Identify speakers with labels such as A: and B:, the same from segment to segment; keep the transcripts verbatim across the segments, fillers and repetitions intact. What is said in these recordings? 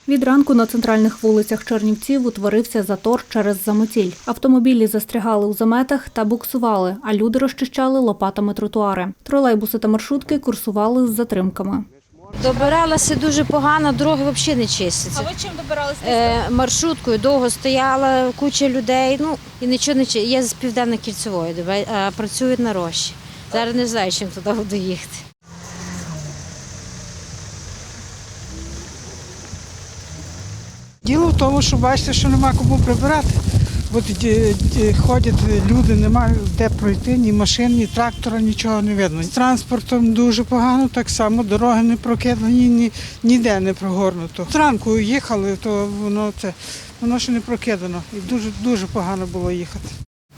A: Від ранку на центральних вулицях Чернівців утворився затор через заметіль. Автомобілі застрягали у заметах та буксували, а люди розчищали лопатами тротуари. Тролейбуси та маршрутки курсували з затримками.
B: Добиралася дуже погано, дороги взагалі не чистяться.
C: А ви чим добиралися?
B: Е, маршруткою довго стояла, куча людей, ну і нічого не чиститься. Я з Південно-Кільцевої, а працюють на Рощі. Зараз не знаю, чим туди буду їхати.
D: Діло в тому, що бачите, що нема кому прибирати. От ходять люди, немає де пройти, ні машин, ні трактора, нічого не видно. З транспортом дуже погано, так само дороги не прокидані, ні, ніде не прогорнуто. Зранку їхали, то воно це воно ще не прокидано. І дуже дуже погано було їхати.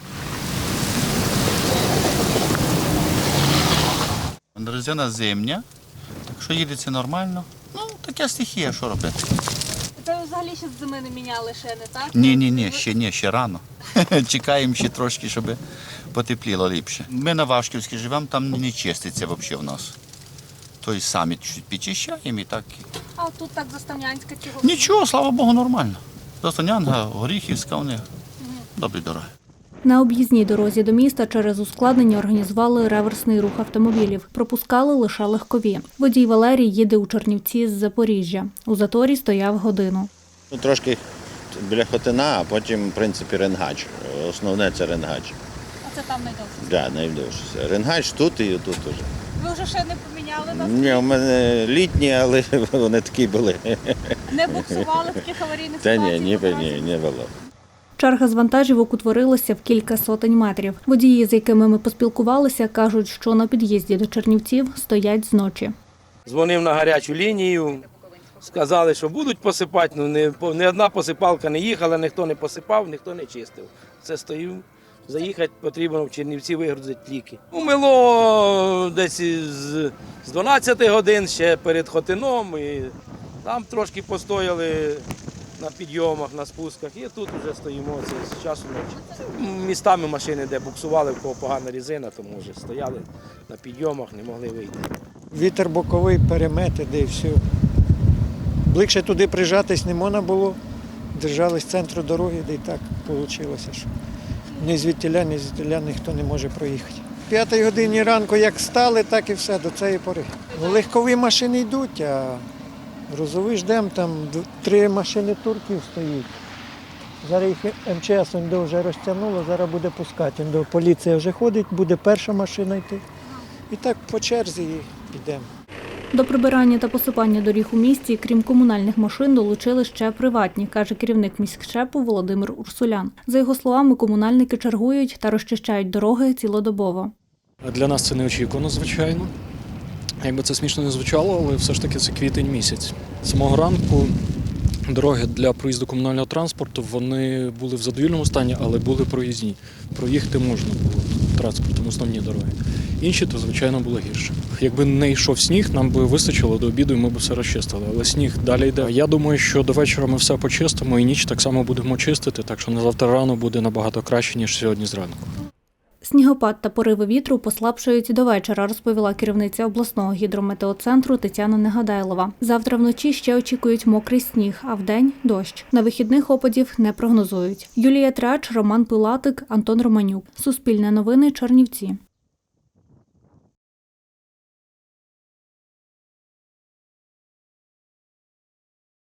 E: Резина зимня, так що їдеться нормально. Ну, така стихія, що робити.
C: Це ви взагалі ще з зими не міняли ще, не так?
E: Ні, ні, ні, ще ні, ще рано. Чекаємо ще трошки, щоб потепліло ліпше. Ми на Вашківській живемо, там не чиститься взагалі в нас. Тобто самі чуть підчищаємо і так.
C: А тут так Заставнянська чого?
E: Нічого, слава Богу, нормально. Заставнянка, Горіхівська, вони добрі дороги.
A: На об'їзній дорозі до міста через ускладнення організували реверсний рух автомобілів. Пропускали лише легкові. Водій Валерій їде у Чернівці з Запоріжжя. У заторі стояв годину.
F: Ну, трошки біля Хотина, а потім, в принципі, Ренгач. Основне – це Ренгач.
C: А це там найдовше?
F: Так, да, найдовше. Ренгач тут і тут теж.
C: Ви вже ще не поміняли нас?
F: Ні, у мене літні, але вони такі були.
C: Не буксували в таких аварійних
F: Та
C: ситуаціях?
F: ні, ні, ні, не було.
A: Черга з вантажівок утворилася в кілька сотень метрів. Водії, з якими ми поспілкувалися, кажуть, що на під'їзді до Чернівців стоять зночі.
G: Дзвонив на гарячу лінію, сказали, що будуть посипати, ну не, не одна посипалка не їхала, ніхто не посипав, ніхто не чистив. Це стою, заїхати потрібно в Чернівці вигрузити ліки. Умило десь з, з дванадцяти годин ще перед Хотином, і там трошки постояли на підйомах, на спусках, і тут вже стоїмо, це з часу ночі. Містами машини, де буксували, в кого погана резина, тому вже стояли на підйомах, не могли вийти.
H: Вітер боковий, перемети, де і все. Ближче туди прижатись не можна було, держались центру дороги, де і так вийшло, що ні звідтіля, ні звідтіля ніхто не може проїхати. В п'ятій годині ранку як стали, так і все, до цієї пори. Легкові машини йдуть, а грузові ждемо, там три машини турків стоїть. Зараз їх ем че ес вже розтягнуло, зараз буде пускати. Поліція вже ходить, буде перша машина йти. І так по черзі йдемо.
A: До прибирання та посипання доріг у місті, крім комунальних машин, долучили ще приватні, каже керівник міськшепу Володимир Урсулян. За його словами, комунальники чергують та розчищають дороги цілодобово.
I: Для нас це неочікувано, звичайно. Якби це смішно не звучало, але все ж таки це квітень місяць. З самого ранку дороги для проїзду комунального транспорту, вони були в задовільному стані, але були проїзні. Проїхати можна було транспортом, основні дороги. Інші, то, звичайно, було гірше. Якби не йшов сніг, нам би вистачило до обіду і ми б все розчистили. Але сніг далі йде. Я думаю, що до вечора ми все почистимо і ніч так само будемо чистити, так що на завтра рано буде набагато краще, ніж сьогодні зранку.
A: Снігопад та пориви вітру послабшають до вечора, розповіла керівниця обласного гідрометеоцентру Тетяна Негадайлова. Завтра вночі ще очікують мокрий сніг, а вдень – дощ. На вихідних опадів не прогнозують. Юлія Трач, Роман Пилатик, Антон Романюк. Суспільне новини, Чернівці.